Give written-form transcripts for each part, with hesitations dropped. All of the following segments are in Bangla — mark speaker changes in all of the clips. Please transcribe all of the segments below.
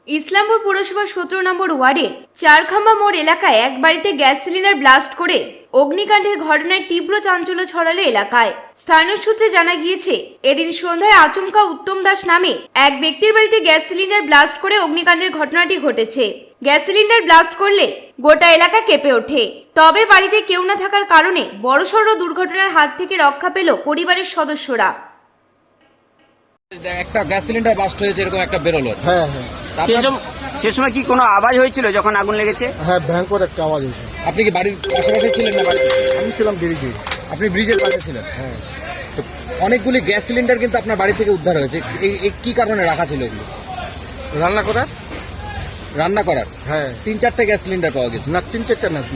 Speaker 1: ইসলামপুর পুরসভা 17 নম্বর ওয়ার্ডের চারখাম্বা মোড় এলাকায় এক বাড়িতে গ্যাস সিলিন্ডার ব্লাস্ট করে অগ্নিকাণ্ডের ঘটনায় তীব্র চাঞ্চল্য ছড়ালো এলাকায়। স্থানীয় সূত্রে জানা গিয়েছে, এদিন সন্ধ্যায় আচমকা উত্তম দাস নামে এক ব্যক্তির বাড়িতে গ্যাস সিলিন্ডার ব্লাস্ট করে অগ্নিকাণ্ডের ঘটনাটি ঘটেছে। গ্যাস সিলিন্ডার ব্লাস্ট করলে গোটা এলাকা কেঁপে ওঠে। তবে বাড়িতে কেউ না থাকার কারণে বড়সড় দুর্ঘটনার হাত থেকে রক্ষা পেল পরিবারের সদস্যরা।
Speaker 2: একটা গ্যাস সিলিন্ডার বাস্ট হয়েছে, এরকম একটা বেরোলো।
Speaker 3: হ্যাঁ হ্যাঁ।
Speaker 4: সে সময় কি কোনো আওয়াজ হয়েছিল যখন আগুন লেগেছে?
Speaker 3: হ্যাঁ, ভয়ঙ্কর একটা আওয়াজ হয়েছে।
Speaker 2: আপনি কি বাড়ির পাশাপাশি ছিলেন না বাড়িতে?
Speaker 3: আমি ছিলাম ব্রিজে।
Speaker 2: আপনি ব্রিজের পাশে ছিলেন?
Speaker 3: হ্যাঁ।
Speaker 2: তো অনেকগুলি গ্যাস সিলিন্ডার কিন্তু আপনার বাড়ি থেকে উদ্ধার হয়েছে, এই কি কারণে রাখা ছিল এগুলো?
Speaker 3: রান্না করার?
Speaker 2: রান্না করার?
Speaker 3: হ্যাঁ।
Speaker 2: 3-4টে গ্যাস সিলিন্ডার পাওয়া গেছে।
Speaker 3: না, 3-4টা না,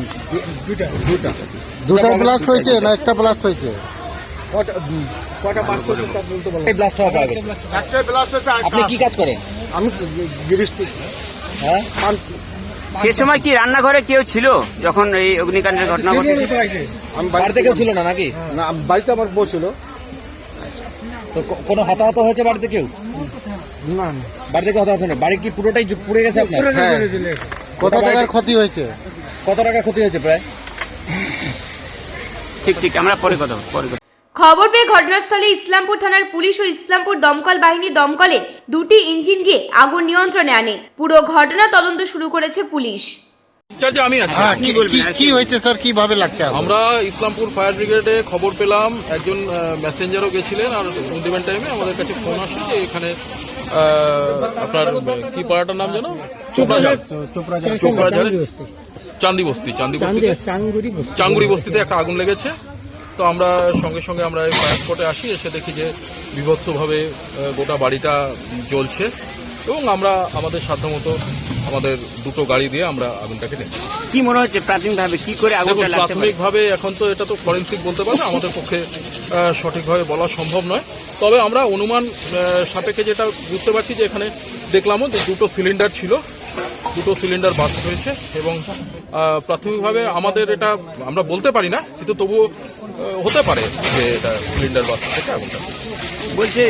Speaker 3: দুটা ব্লাস্ট হয়েছে না একটা ব্লাস্ট হয়েছে? কটা বাস্ট হয়েছে তা বলতে পারলাম না।
Speaker 2: এই ব্লাস্ট হওয়া পাওয়া গেছে।
Speaker 3: একটা ব্লাস্ট হয়েছে।
Speaker 2: আপনি কি কাজ করেন?
Speaker 3: আমি গৃহস্থ।
Speaker 2: হ্যাঁ।
Speaker 4: সে সময় কি রান্নাঘরে কেউ ছিল যখন এই অগ্নিকাণ্ডের ঘটনা ঘটে?
Speaker 3: আমি
Speaker 2: বাড়িতে কেউ ছিল না নাকি?
Speaker 3: না, বাড়িতে আমার বউ ছিল।
Speaker 2: তো কোনো হতাহত হয়েছে বাড়িতে কেউ?
Speaker 3: না,
Speaker 2: বাড়িতে কেউ হতাহত নেই। বাড়ি কি পুরোটাই পুড়ে গেছে আপনার?
Speaker 3: হ্যাঁ। কত টাকার ক্ষতি হয়েছে?
Speaker 2: কত টাকার ক্ষতি হয়েছে প্রায়?
Speaker 4: ঠিক আমরা পরে কথা।
Speaker 1: খবর পেয়ে ঘটনাস্থলে ইসলামপুর থানার পুলিশ ও ইসলামপুর দমকল বাহিনীর দমকলের দুটি ইঞ্জিন গিয়ে আগুন নিয়ন্ত্রণে আনে। পুরো ঘটনা তদন্ত শুরু করেছে পুলিশ।
Speaker 5: আমি আছি।
Speaker 3: কি হয়েছে স্যার, কিভাবে লাগছে?
Speaker 5: আমরা ইসলামপুর ফায়ার ব্রিগেডে খবর পেলাম, একজন মেসেঞ্জারও গেছিলেন, আর ইভেন্ট টাইমে আমাদের কাছে ফোন আসে যে এখানে আপনার কি পাড়াটার নাম যেন চোপড়াঝাড়ে চাঙ্গুরি বস্তিতে একটা আগুন লেগেছে। তো আমরা সঙ্গে সঙ্গে আমরা এই ফায়ার স্পটে আসি, এসে দেখি যে বিভৎসভাবে গোটা বাড়িটা জ্বলছে, এবং আমরা আমাদের সাধ্যমতো আমাদের দুটো গাড়ি দিয়ে আমরা আগুনটাকে দেখি।
Speaker 4: কি মনে হচ্ছে প্রাথমিকভাবে কি করে আগুনটা লাগতে পারে?
Speaker 5: প্রাথমিকভাবে এখন তো এটা তো ফরেনসিক বলতে পারবে, আমাদের পক্ষে সঠিকভাবে বলা সম্ভব নয়। তবে আমরা অনুমান সাপেক্ষে যেটা বুঝতে পারছি যে এখানে দেখলামও যে দুটো সিলিন্ডার ছিল, দুটো সিলিন্ডার বাস্ট হয়েছে, এবং প্রাথমিকভাবে আমাদের এটা আমরা বলতে পারি না, কিন্তু তবুও হতে পারে যে এটা সিলিন্ডার বাস্ট থেকে আগুনটা
Speaker 4: বলছে।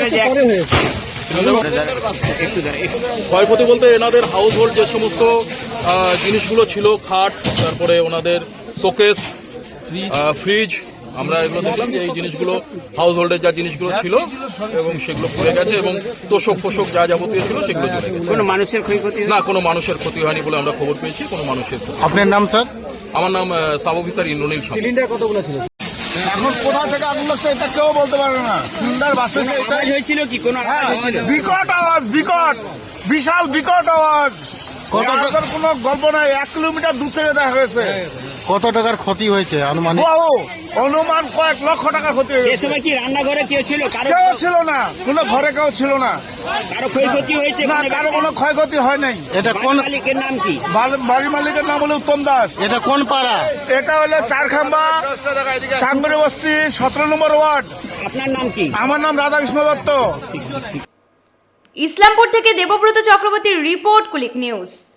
Speaker 5: ক্ষয়ক্ষতি বলতে এনাদের হাউস হোল্ড যে সমস্ত জিনিসগুলো ছিল, খাট, তারপরে ওনাদের শোকেস, ফ্রিজ, আমরা এগুলো দেখলাম যে এই জিনিসগুলো হাউস হোল্ডের যা জিনিসগুলো ছিল এবং সেগুলো পুড়ে গেছে, এবং তোষক ফোষক যা যাবতীয় ছিল সেগুলো জ্বলে গেছে।
Speaker 4: কোনো মানুষের ক্ষয়ক্ষতি?
Speaker 5: না, কোনো মানুষের ক্ষতি হয়নি বলে আমরা খবর পেয়েছি। কোনো মানুষের ক্ষতি।
Speaker 3: আপনার নাম স্যার?
Speaker 5: আমার নাম sub officer Indranil Saha.
Speaker 2: Cylinder কতগুলো ছিল?
Speaker 3: এখন কোথা থেকে আগুন লাগছে এটা কেউ বলতে পারে না। সিলিন্ডার বাস্ট হয়েছে।
Speaker 4: আওয়াজ হয়েছিল কি? কোনো আওয়াজ হয়েছিল?
Speaker 6: বিকট আওয়াজ, বিশাল বিকট আওয়াজ। কত কোনো গল্প নাই, 1 কিলোমিটার দূর থেকে দেখা গেছে।
Speaker 3: কত টাকার ক্ষতি হয়েছে আনুমানিক?
Speaker 6: অনুমান কয়েক লক্ষ টাকার ক্ষতি
Speaker 4: সে
Speaker 6: হয়েছে।
Speaker 4: সময় কি রান্নাঘরে কেউ ছিল?
Speaker 6: কেউ ছিল না, কোনো ঘরে কেউ ছিল না।
Speaker 4: কারো ক্ষয়ক্ষতি হয়েছে?
Speaker 6: না, কারো কোনো ক্ষয়ক্ষতি হয় নাই।
Speaker 3: এটা কোন
Speaker 4: মালিকের নাম কি?
Speaker 6: বাড়ির মালিকের নাম হলো উত্তম দাস।
Speaker 3: এটা কোন পাড়া?
Speaker 6: এটা হলো চারখাম্বা চাঙ্গুরি বস্তি 17 নম্বর ওয়ার্ড।
Speaker 4: আপনার নাম কি?
Speaker 6: আমার নাম রাধাকৃষ্ণ দত্ত।
Speaker 1: ইসলামপুর থেকে দেবব্রত চক্রবর্তীর রিপোর্ট, কুলিক নিউজ।